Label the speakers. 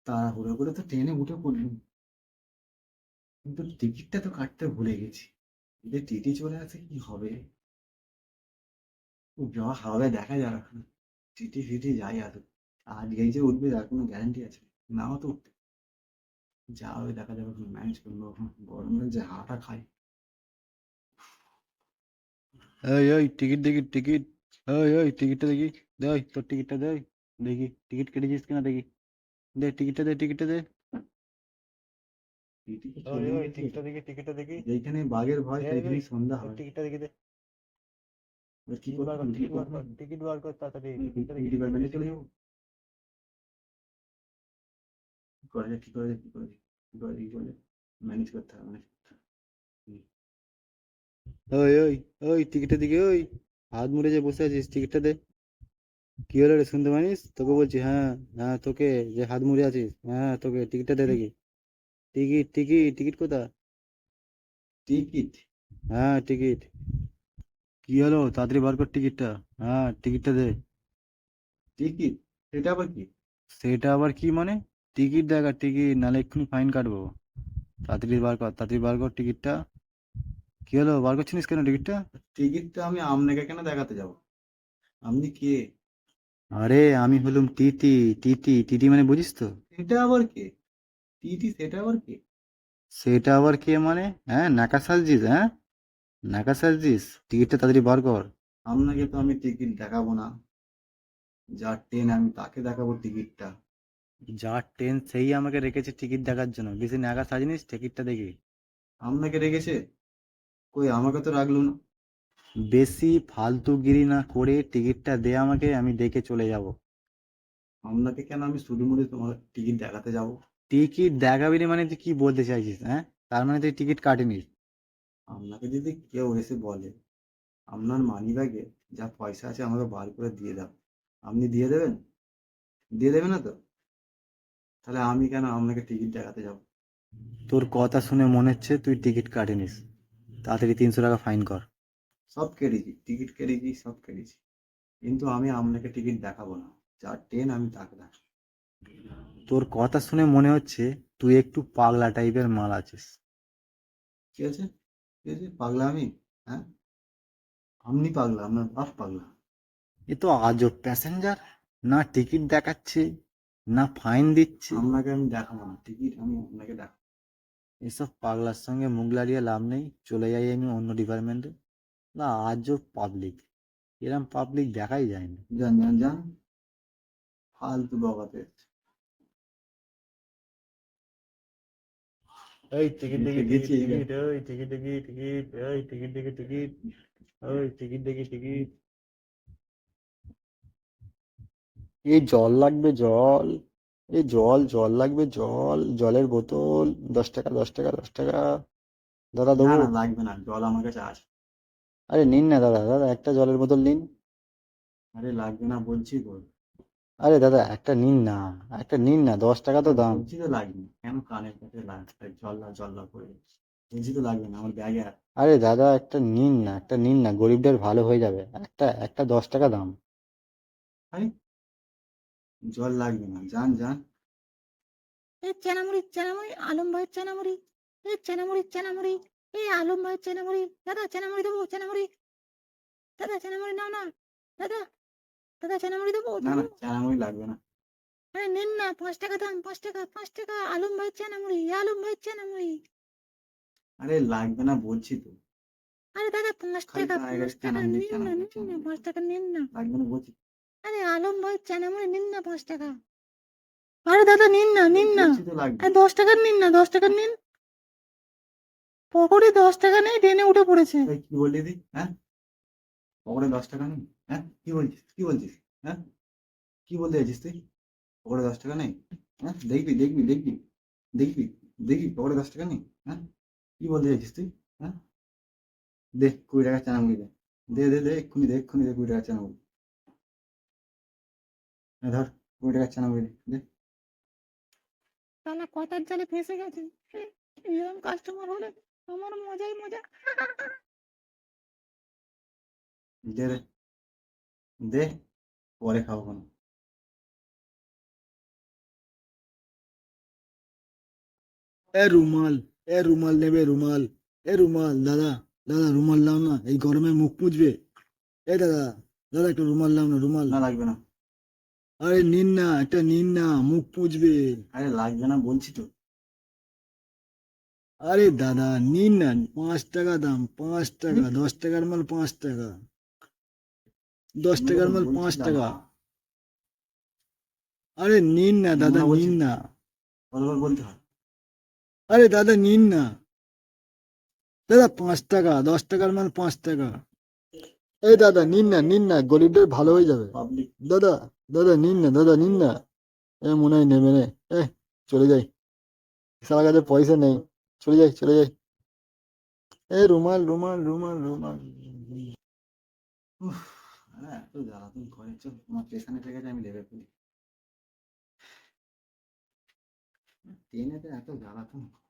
Speaker 1: তাড়াহুড়ো করে তো ট্রেনে উঠে পড়লুম, কিন্তু টিকিটটা তো কাটতে ভুলে গেছি। যে টিটি চলে আসে কি হবে? যা হবে দেখা যাবে এখন। টিটি ফিটি যাই আসুক, আজকেই যে উঠবে তার কোনো গ্যারান্টি আছে? নাও তো উঠতে, যা হবে দেখা যাবে, ম্যানেজ করবো এখন। গরমে যে হাওয়াটা খাই।
Speaker 2: এই ওই টিকিট দেখি টিকিট। ওই টিকিটটা দেখি। দে ওই তোর টিকিটটা দে ওই। দেখি টিকিট কেটেছিস কিনা দেখি। দে টিকিটটা দে টিকিটটা দে।
Speaker 1: টিটি তো
Speaker 2: ওই
Speaker 1: চলে
Speaker 2: ওই
Speaker 1: এসেছে।
Speaker 2: টিকিটটা দেখি টিকিটটা দেখি।
Speaker 1: যেইখানে বাঘের ভয়
Speaker 2: দে ওই
Speaker 1: সেইখানেই সন্ধ্যা
Speaker 2: ওই
Speaker 1: হয়।
Speaker 2: টিকিটটা দেখি দে।
Speaker 1: এবার কি
Speaker 2: টিকিট
Speaker 1: করবো,
Speaker 2: বার কর
Speaker 1: লুকিয়ে
Speaker 2: টিকিট বার
Speaker 1: পড়বো
Speaker 2: কর
Speaker 1: নাকি?
Speaker 2: টিকিট বার কর তাড়াতাড়ি টিকিটটা দেখি টিকিটটা
Speaker 1: ডিপার্টমেন্টে চলে
Speaker 2: দেখি।
Speaker 1: যাবো? কি করা যায়, কি করা যায়, কি করা যায়, কি করা যায়, কি করা যায়? ম্যানেজ করতে হবে, ম্যানেজ করতে হবে।
Speaker 2: ওই ওই ওই টিকিটটা দেখি ওই। হাত মুড়ে যে বসে আছিস টিকিটটা দে। কি হলো রে শুনতে পারিস? তোকে বলছি হ্যাঁ। হ্যাঁ তোকে, যে হাত মুড়ে আছিস, হ্যাঁ তোকে টিকিটটা দে দেখি। টিকিট টিকিট টিকিট কোথা?
Speaker 1: টিকিট?
Speaker 2: হ্যাঁ টিকিট। কি হলো তাড়াতাড়ি বার কর টিকিটটা। হ্যাঁ টিকিটটা দে।
Speaker 1: টিকিট? সেটা আবার কি?
Speaker 2: সেটা আবার কি মানে? টিকিট দেখা টিকিট, নাহলে এক্ষুনি ফাইন কাটবো। তাড়াতাড়ি বার কর তাড়াতাড়ি বার কর টিকিটটা। কি হলো বার করছিস কেন টিকিটটা?
Speaker 1: টিকিটটা আমি আপনাকে কেন দেখাতে যাব? আপনি কে?
Speaker 2: আরে আমি হলুম টিটি। টিটি টিটি মানে বুঝিস তো?
Speaker 1: এটা আবার কে? টিটি সেটা আবার কে?
Speaker 2: সেটা আবার কে মানে? হ্যাঁ নাকা সাজছিস? হ্যাঁ নাকা সাজছিস? টিকিটটা তাড়াতাড়ি বার কর।
Speaker 1: আপনাকে তো আমি টিকিট দেখাবো না, যার ট্রেন আমি তাকে দেখাবো টিকিটটা।
Speaker 2: যার ট্রেন সেই আমাকে রেখেছে টিকিট দেখার জন্য, বেশি নাকা সাজিনিস টিকিটটা দেখি।
Speaker 1: আপনাকে রেখেছে? কই, আমাকে তো রাখলো না।
Speaker 2: বেশি ফালতুগিরি না করে টিকিটটা দে আমাকে, আমি দেখে চলে যাব।
Speaker 1: আপনাকে কেন আমি শুধু মুড়ে তোমার টিকিট দেখাতে যাব?
Speaker 2: টিকিট দেখাবি না মানে তুই কি বলতে চাইছিস? হ্যাঁ তার মানে তুই টিকিট কাটিনিস?
Speaker 1: আপনাকে যদি কেউ এসে বলে আপনার মানিব্যাগে যা পয়সা আছে আমাকে বার করে দিয়ে দাও, আপনি দিয়ে দেবেন? দিয়ে দেবে না তো? তাহলে আমি কেন আপনাকে টিকিট দেখাতে যাব?
Speaker 2: তোর কথা শুনে মনে হচ্ছে তুই টিকিট কাটিনিস। তাড়াতাড়ি 300 টাকা ফাইন কর।
Speaker 1: সব কেটেছি, টিকিট কেটেছি, সব কেটেছি, কিন্তু আমি আপনাকে টিকিট দেখাবো না। যার ট্রেন আমি তাকে দেখাবো।
Speaker 2: তোর কথা শুনে মনে হচ্ছে তুই একটু পাগলা টাইপের মাল আছিস।
Speaker 1: কি আছে? কি আছে, পাগলা আমি? হ্যাঁ, আপনি পাগলা, আপনার বাপ পাগলা।
Speaker 2: এ তো আজব প্যাসেঞ্জার। না টিকিট দেখাচ্ছে, না ফাইন দিচ্ছে।
Speaker 1: আপনাকে আমি দেখাবো না টিকিট, আমি আপনাকে দেখাবো।
Speaker 2: এসব পাগলার সঙ্গে মুখ লাড়িয়ে লাভ নেই, চলে যাই আমি অন্য ডিপার্টমেন্টে। না আজব পাবলিক, এরম পাবলিক দেখাই যায়নি।
Speaker 1: যান যান যান, ফালতু বকাতে।
Speaker 2: এই টিকিট দেখি টিকিট
Speaker 1: গেছি এইবার।
Speaker 2: টিকিট ওই টিকিট দেখি টিকিট ওই টিকিট দেখি টিকিট ওই টিকিট দেখি টিকিট। এই জল লাগবে জল। এই জল জল লাগবে জল, জলের বোতল। 10 টাকা 10 টাকা 10 টাকা। দাদা
Speaker 1: না
Speaker 2: দেবো?
Speaker 1: না, লাগবে না, জল আমার কাছে আছে।
Speaker 2: আরে নিন না দাদা, দাদা একটা জলের বোতল নিন।
Speaker 1: আরে লাগবে না বলছি তো।
Speaker 2: আরে দাদা একটা নিন না, একটা নিন না, 10 টাকা তো
Speaker 1: আরে
Speaker 2: দাম।
Speaker 1: বলছি তো লাগবে না, কেন কানের কাছে লাগবে? জল্লা জল্লা করে বলছি তো লাগবে না, আমার ব্যাগে আছে।
Speaker 2: আরে দাদা একটা নিন না, একটা নিন না, গরিবদের ভালো হয়ে যাবে। একটা একটা 10 টাকা দাম।
Speaker 1: আরে জল লাগবে না, যান যান।
Speaker 3: এই চেনামুড়ি চেনামুড়ি আলম ভাইয়ের চেনামুড়ি। এই চেনামুড়ি চেনামুড়ি। এই আলম ভাইয়ের চেনামুড়ি। দাদা চেনামুড়ি দেবো চেনামুড়ি। দাদা চেনামুড়ি নাও না। দাদা, দাদা চেনামুড়ি দেবো
Speaker 1: না
Speaker 3: দেবো।
Speaker 1: না, চানামুড়ি লাগবে না।
Speaker 3: আরে নিন না, 5 টাকা দাম, 5 টাকা 5 টাকা। আলম ভাইয়ের চেনামুড়ি, আলম ভাইয়ের চেনামুড়ি।
Speaker 1: আরে লাগবে না বলছি তো।
Speaker 3: আরে দাদা পাঁচ
Speaker 1: খালি
Speaker 3: টাকা
Speaker 1: গায়ে
Speaker 3: পাঁচ
Speaker 1: গায়ে
Speaker 3: টাকা
Speaker 1: চানামুড়ি
Speaker 3: নিন না,
Speaker 1: চানামুড়ি
Speaker 3: নিন না,
Speaker 1: চানামুড়ি।
Speaker 3: 5 টাকা নিন না।
Speaker 1: লাগবে না বলছি।
Speaker 3: আরে আলম ভাইয়ের চেনামুড়ি নিন না, 5 টাকা। আরে দাদা নিন না,
Speaker 1: আরে
Speaker 3: নিন না।
Speaker 1: বলছি তো লাগবে
Speaker 3: আরে
Speaker 1: না।
Speaker 3: 10 টাকার নিন না, 10 টাকার নিন। পকেটে 10 টাকা নেই, ট্রেনে উঠে পড়েছে।
Speaker 1: এই কি বললি তুই? হ্যাঁ, পকেটে 10 টাকা নেই? হ্যাঁ, কি বলছিস, কি বলছিস? হ্যাঁ, কি বলতে চাইছিস তুই? পকেটে 10 টাকা নেই? হ্যাঁ, দেখবি দেখবি দেখবি দেখবি দেখবি পকেটে 10 টাকা নেই? হ্যাঁ, কি বলতে চাইছিস তুই? হ্যাঁ, দে 20 টাকা চানামুড়ি দে। দে দে দে, এক্ষুনি দে, এক্ষুনি দে 20 টাকা চানামুড়ি। এই ধর, 20 টাকা চানামুড়ি দে দে।
Speaker 3: শালা কথার জালে ফেঁসে গেছে। এরকম কাস্টমার হলে আমার মজাই মজা।
Speaker 1: দে দে দে, পরে খাবো কোনো।
Speaker 2: এ রুমাল নেবে রুমাল, এ রুমাল দাদা, দাদা রুমাল নাও না, এই গরমে মুখ মুছবে। এ দাদা, দাদা একটু রুমাল নাও না, রুমাল।
Speaker 1: না লাগবে না,
Speaker 2: আরে নিন না, একটা নিন না, মুখ মুছবে।
Speaker 1: আরে লাগবে না বলছি তো।
Speaker 2: আরে দাদা নিন না, 5 টাকা দাম, 5 টাকা, 10 টাকার মাল 5 টাকা, 10 টাকার মাল
Speaker 1: বলছি
Speaker 2: 5 টাকা।
Speaker 1: দাদা,
Speaker 2: আরে নিন না দাদা,
Speaker 1: না বলছি,
Speaker 2: নিন না।
Speaker 1: কতবার বলতে হয়?
Speaker 2: আরে দাদা নিন না, দাদা 5 টাকা, 10 টাকার মাল 5 টাকা। এই দাদা নিন না, নিন না, গরিবদের ভালো হয়ে যাবে।
Speaker 1: পাবলিক
Speaker 2: দাদা, দাদা নিন না, দাদা নিন না। এ মনে হয় নেবে নে। এ চলে যাই, সারা কাছে পয়সা নেই, চলে যাই, চলে যাই। এ রুমাল, রুমাল, রুমাল, রুমাল।
Speaker 1: উফ, এত জ্বালাতন করে, চল আমার পেছনে থেকে গেছে, আমি লেবে ফেলি। ট্রেনেতে এত জ্বালাতন